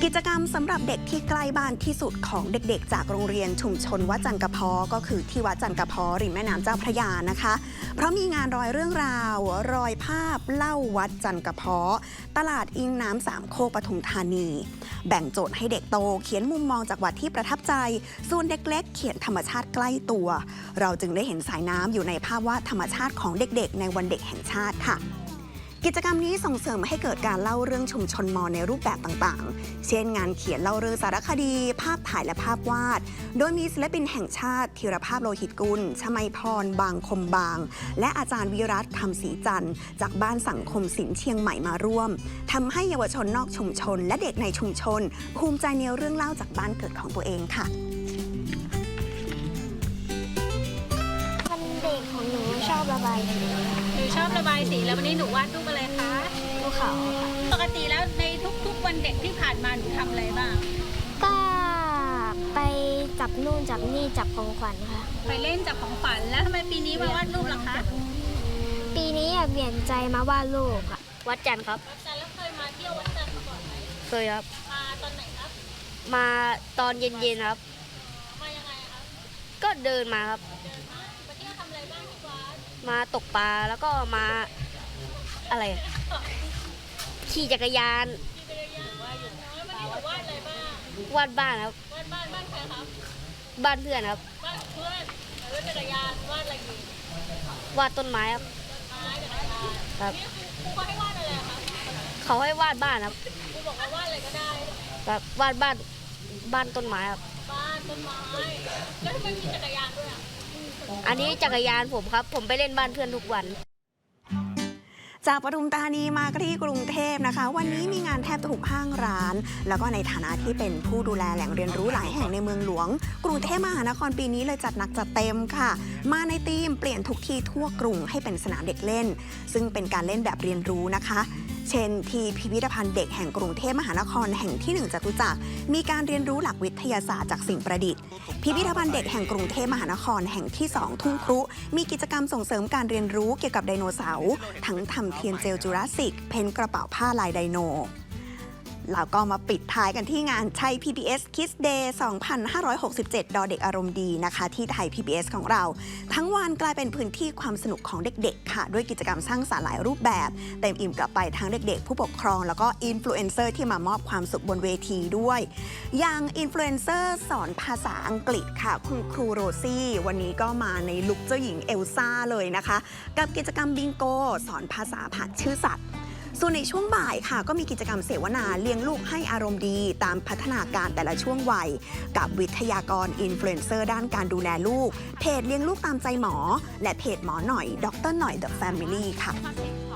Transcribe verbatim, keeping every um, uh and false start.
กิจกรรมสำหรับเด็กที่ใกล้บ้านที่สุดของเด็กๆจากโรงเรียนชุมชนวัดจันกระเพาะก็คือที่วัดจันกระเพาะริมแม่น้ำเจ้าพระยานะคะเพราะมีงานรอยเรื่องราวรอยภาพเล่าวัดจันกระเพาะตลาดอิงน้ำสามโคกปทุมธานีแบ่งโจทย์ให้เด็กโตเขียนมุมมองจากวัดที่ประทับใจส่วนเด็กเล็กเขียนธรรมชาติใกล้ตัวเราจึงได้เห็นสายน้ำอยู่ในภาพวาดธรรมชาติของเด็กๆในวันเด็กแห่งชาติค่ะกิจกรรมนี้ส่งเสริมให้เกิดการเล่าเรื่องชุมชนมอญในรูปแบบต่างๆ เช่นงานเขียนเล่าเรื่องสารคดี ภาพถ่ายและภาพวาด โดยมีศิลปินแห่งชาติธีรภาพโลหิตกุล ชมัยพร บางคมบาง และอาจารย์วิรัตคำศรีจันทร์จากบ้านสังคมศิลป์เชียงใหม่มาร่วมทำให้เยาวชนนอกชุมชน และเด็กในชุมชน ภูมิใจในเรื่องเล่าจากบ้านเกิดของตัวเองค่ะวันเด็กของหนูชอบระบายสีหนูชอบระบายสีแล้ววันนี้หนูวาดรูปอะไรคะภูเขาค่ะปกติแล้วในทุกๆวันเด็กที่ผ่านมาหนูทำอะไรบ้างก็ไปจับนู่นจับนี่จับของขวัญค่ะไปเล่นจับของขวัญแล้วทำไมปีนี้มาวาดรูปล่ะคะปีนี้อยากเปลี่ยนใจมาวาดรูปค่ะวัดจันทร์ครับวัดจันทร์แล้วเคยมาเที่ยววัดจันทร์มาก่อนไหมเคยครับมาตอนไหนครับมาตอนเย็นๆครับมายังไงครับก็เดินมาครับเดินมามาเที่ยวทำอะไรบ้างที่วัดมาตกปลาแล้วก็มาอะไรขี่จักรยานขี่จักรยานว่าอยู่แล้ววันนี้หนูวาดอะไรบ้างวาดบ้านครับวาดบ้านบ้านใครครับบ้านเพื่อนครับบ้านเพื่อนแล้วจักรยานวาดอะไรอีกวาดต้นไม้ครับต้นไม้จักรยานครับครูเขาให้วาดอะไรครับเขาให้วาดบ้านครับครูบอกว่าวาดอะไรก็ได้ครับวาดบ้านบ้านต้นไม้ครับบ้านต้นไม้แล้วทำไมมีจักรยานด้วยอ่ะอันนี้จักรยานผมครับผมไปเล่นบ้านเพื่อนทุกวันจากปทุมธานีมาที่กรุงเทพนะคะวันนี้มีงานแทบทุกห้างร้านแล้วก็ในฐานะที่เป็นผู้ดูแลแหล่งเรียนรู้หลายแห่งในเมืองหลวงกรุงเทพมหานครปีนี้เลยจัดหนักจัดเต็มค่ะมาในธีมเปลี่ยนทุกที่ทั่วกรุงให้เป็นสนามเด็กเล่นซึ่งเป็นการเล่นแบบเรียนรู้นะคะเช่นที่พิพิธภัณฑ์เด็กแห่งกรุงเทพมหานครแห่งที่หนึ่งจตุจักรมีการเรียนรู้หลักวิทยาศาสตร์จากสิ่งประดิษฐ์พิพิธภัณฑ์เด็กแห่งกรุงเทพมหานครแห่งที่สองทุ่งครุมีกิจกรรมส่งเสริมการเรียนรู้เกี่ยวกับไดโนเสาร์ทั้งทำเทียนเจลจูราสสิกเพ้นกระเป๋าผ้าลายไดโนแล้วก็มาปิดท้ายกันที่งานไทย พี บี เอส Kids Day สองพันห้าร้อยหกสิบเจ็ด ดอเด็กอารมณ์ดีนะคะที่ไทย พี บี เอส ของเราทั้งวันกลายเป็นพื้นที่ความสนุกของเด็กๆค่ะด้วยกิจกรรมสร้างสรรค์หลายรูปแบบเต็มอิ่มกลับไปทั้งเด็กๆผู้ปกครองแล้วก็อินฟลูเอนเซอร์ที่มามอบความสุขบนเวทีด้วยอย่างอินฟลูเอนเซอร์สอนภาษาอังกฤษค่ะคุณครูโรซี่วันนี้ก็มาในลุคเจ้าหญิงเอลซ่าเลยนะคะกับกิจกรรมบิงโกสอนภาษาผ่านชื่อสัตว์ส่วนในช่วงบ่ายค่ะก็มีกิจกรรมเสวนาเลี้ยงลูกให้อารมณ์ดีตามพัฒนาการแต่ละช่วงวัยกับวิทยากรอินฟลูเอนเซอร์ด้านการดูแลลูกเพจเลี้ยงลูกตามใจหมอและเพจหมอหน่อยดรหน่อย The Family ค่ะ